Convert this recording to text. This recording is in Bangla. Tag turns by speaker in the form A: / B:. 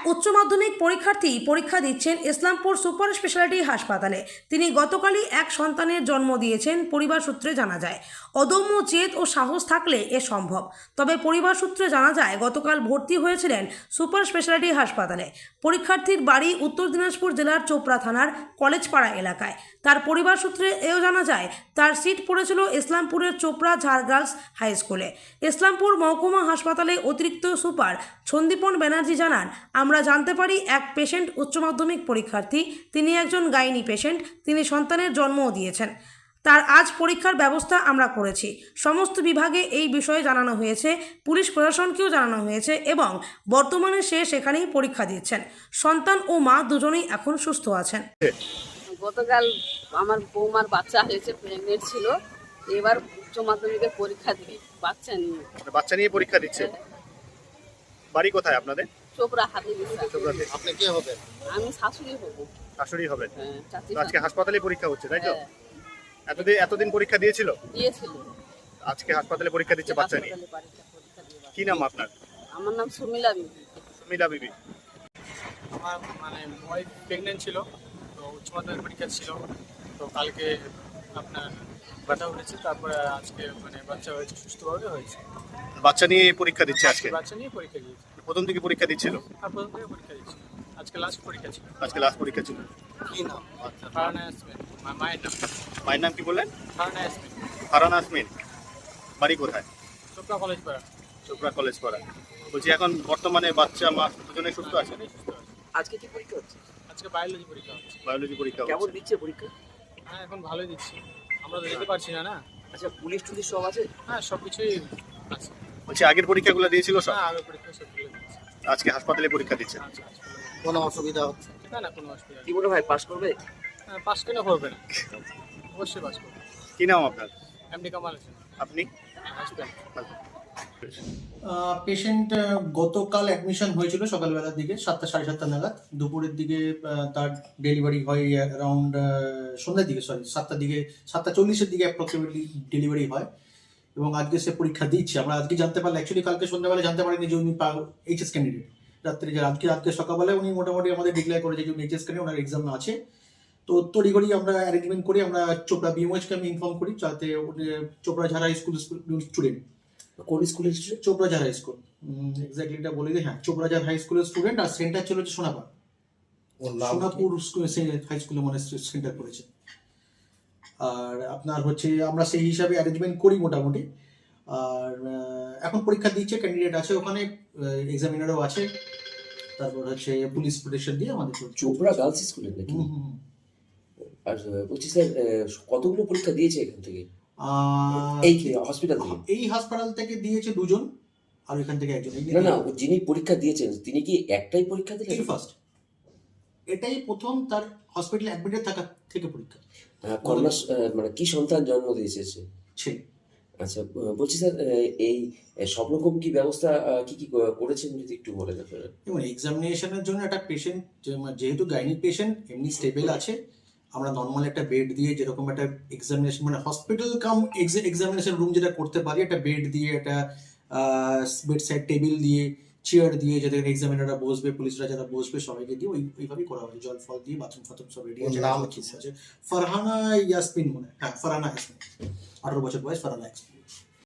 A: উচ্চ মাধ্যমিক পরীক্ষার্থী পরীক্ষা দিচ্ছেন ইসলামপুর সুপার স্পেশালিটি হাসপাতালে। তিনি গতকালই এক সন্তানের জন্ম দিয়েছেন, পরিবার সূত্রে জানা যায়। অদম্য জেদ ও সাহস থাকলে এ সম্ভব। তবে পরিবার সূত্রে জানা যায় গতকাল ভর্তি হয়েছিলেন সুপার স্পেশালিটি হাসপাতালে। পরীক্ষার্থীর বাড়ি উত্তর দিনাজপুর জেলার চোপড়া থানার কলেজপাড়া এলাকায়। তার পরিবার সূত্রে এও জানা যায় তার সিট পড়েছিল ইসলামপুরের চোপড়া ঝাড় গার্লস হাই স্কুলে। ইসলামপুর মহকুমা হাসপাতালে অতিরিক্ত সুপার সন্দীপন ব্যানার্জি জানান, আমরা জানতে পারি এক পেশেন্ট উচ্চ মাধ্যমিক পরীক্ষার্থী, তিনি একজন গাইনি পেশেন্ট, তিনি সন্তানের জন্মও দিয়েছেন। তার আজ পরীক্ষার ব্যবস্থা আমরা করেছি। সমস্ত বিভাগে এই বিষয়ে জানানো হয়েছে, পুলিশ প্রশাসনকেও জানানো হয়েছে এবং বর্তমানে সে সেখানেই পরীক্ষা দিচ্ছেন। সন্তান ও মা দুজনেই এখন সুস্থ আছেন।
B: গতকাল আমার বৌমার বাচ্চা হয়েছে, প্রেগনেন্ট ছিল, এবার উচ্চ মাধ্যমিকের পরীক্ষা দিবে বাচ্চা নিয়ে
C: পরীক্ষা দিচ্ছে। বাড়ি কোথায় আপনাদের?
B: চোপড়া হাতে দিচ্ছে।
C: আপনি কে হবেন?
B: আমি শাশুড়ি হব।
C: শাশুড়ি হবেন?
B: হ্যাঁ, চাচি।
C: তো আজকে হাসপাতালে পরীক্ষা হচ্ছে, তাই তো?
B: হ্যাঁ,
C: এতদিন পরীক্ষা দিয়েছিল?
B: দিয়েছিল।
C: আজকে হাসপাতালে পরীক্ষা দিচ্ছে বাচ্চা নিয়ে।
B: পরীক্ষা দিয়ে
C: কি নাম আপনার?
B: আমার নাম সুমিলা বিবি।
C: সুমিলা বিবি।
D: আমার ওয়াইফ প্রেগনেন্ট ছিল, তো উচ্চ মাধ্যমিক পরীক্ষা ছিল, তো কালকে আপনার ব্যথা উঠেছে, তারপরে আজকে বাচ্চা হয়েছে, সুস্থভাবে হয়েছে।
C: বাচ্চা নিয়ে পরীক্ষা দিচ্ছে আজকে?
D: বাচ্চা নিয়ে পরীক্ষা দিয়েছে।
C: প্রথম থেকে পরীক্ষা দিচ্ছিল?
D: আর প্রথম থেকে পরীক্ষা দিচ্ছে। আজকে লাস্ট পরীক্ষা ছিল।
C: আজকে লাস্ট পরীক্ষা ছিল।
D: কি নাম? ফারহানা ইয়াসমিন। মায়ের নাম?
C: মায়ের নাম কি বললেন?
D: ফারহানা ইয়াসমিন।
C: ফারহানা ইয়াসমিন। বাড়ি কোথায়?
D: চোপড়া কলেজ পাড়া।
C: চোপড়া কলেজ পাড়া। বলছি এখন বর্তমানে বাচ্চা মা দুজনে সুস্থ আছে?
D: সুস্থ আছে।
E: আজকে কি পরীক্ষা হচ্ছে?
D: আজকে বায়োলজি পরীক্ষা হচ্ছে।
C: বায়োলজি পরীক্ষা
E: কেমন
C: হচ্ছে।
E: দিচ্ছে পরীক্ষা?
D: হ্যাঁ, এখন ভালোই দিচ্ছি। আমরা তো যেতে পারছি না।
E: আচ্ছা, পুলিশ টুলিশ সব আছে?
D: হ্যাঁ, সব কিছুই আছে।
C: বলছি আগের পরীক্ষাগুলো দিয়েছিল সব?
D: হ্যাঁ, আগে পরীক্ষা সব দিয়েছি।
C: আজকে হাসপাতালে পরীক্ষা দিচ্ছে।
D: আচ্ছা।
E: কোনো অসুবিধা হচ্ছে
D: না, কোনো অসুবিধা
E: কি মনে হয় পাস করবে?
D: হ্যাঁ, পাস কেন করবে না? অবশ্যই পাস করবে।
C: কি নাম আপনার?
D: এমডি কামাল হোসেন।
C: আপনি?
D: হাসবেন্ড।
F: পেশেন্ট গতকাল অ্যাডমিশন হয়েছিল সকালবেলার দিকে 7টা 7:30 নাগাদ। দুপুরের দিকে তার ডেলিভারি হয় অ্যারাউন্ড সন্ধ্যার দিকে, 7টার দিকে, 7:40-এর দিকে অ্যাপ্রক্সিমেটলি ডেলিভারি হয় এবং আজকে সে পরীক্ষা দিচ্ছে। আমরা আজকে জানতে পারলাম, অ্যাকচুয়ালি কালকে সন্ধ্যাবেলা জানতে পারিনি যে উনি এইচএস ক্যান্ডিডেট। রাত্রে যে আজকে সকালবেলায় উনি মোটামুটি আমাদের ডিক্লেয়ার করেছে যে উনি এইচএস ক্যান্ডিডেট, ওনার এক্সাম আছে। তো তড়িঘড়ি আমরা অ্যারেঞ্জমেন্ট করি, আমরা চোপড়া বিএমওএইচকে আমি ইনফর্ম করি যাতে চোপড়া ঝাড়া স্কুল স্টুডেন্ট।
E: কোন স্কুলের?
F: চোপড়াঝাড় হাই স্কুল, এক্স্যাক্টলি এটা বলে দিই। হ্যাঁ, চোপড়াঝাড় হাই স্কুলের স্টুডেন্ট, আর সেন্টার ছিল হচ্ছে সোনাপুর হাই স্কুলে মনে সেন্টার করেছে। আর আপনার হচ্ছে আমরা সেই হিসাবে অ্যারেঞ্জমেন্ট করি মোটামুটি। আর এখন পরীক্ষা দিচ্ছে, ক্যান্ডিডেট আছে ওখানে, এক্সামিনারও আছে, তারপর হচ্ছে পুলিশ প্রোটেকশন দিয়ে আমাদের
G: চোপড়া গার্লস স্কুলে নাকি? আর বলছি স্যার, কতগুলো পরীক্ষা দিয়েছে এখান থেকে? এই হসপিটাল থেকে?
F: এই হাসপাতাল থেকে দিয়েছে 2 জন, আর এখান থেকে 1 জন।
G: না, যিনি পরীক্ষা দিয়েছেন তিনি কি একটাই পরীক্ষা দিলেন?
F: ফার্স্ট, এটাই প্রথম তার হসপিটালে অ্যাডমিটেড থাকা থেকে পরীক্ষা।
G: কন্যা কি সন্তান জন্ম দিয়েছে সে?
F: ছেলে।
G: আচ্ছা, বলছি স্যার, এই সব রকম কি ব্যবস্থা কি করেছেন যদি একটু বলেন আপনারা?
F: এবং এক্সামিনেশনের জন্য একটা পেশেন্ট, যেহেতু গাইনিক পেশেন্ট, এমনি স্টেবল আছে, আমরা নর্মাল একটা বেড দিয়ে, যেরকম একটা examination hospital cum examination room যেটা করতে পারি, একটা বেড দিয়ে, একটা বেড সাইড টেবিল দিয়ে, চেয়ার দিয়ে, যাতে এক্সামিনাররা বসবে, পুলিশরা যারা বসবে, সবাইকে দিয়ে ওইভাবেই করা হয়েছে। জল ফল দিয়ে, বাথরুম ফাথরুম সব রেডি আছে। নাম কি আছে? ফারহানা ইয়াসমিন মনে হয়। হ্যাঁ, ফারহানা ইয়াসমিন, 18 বছর বয়স, ফারহানা ইয়াসমিন।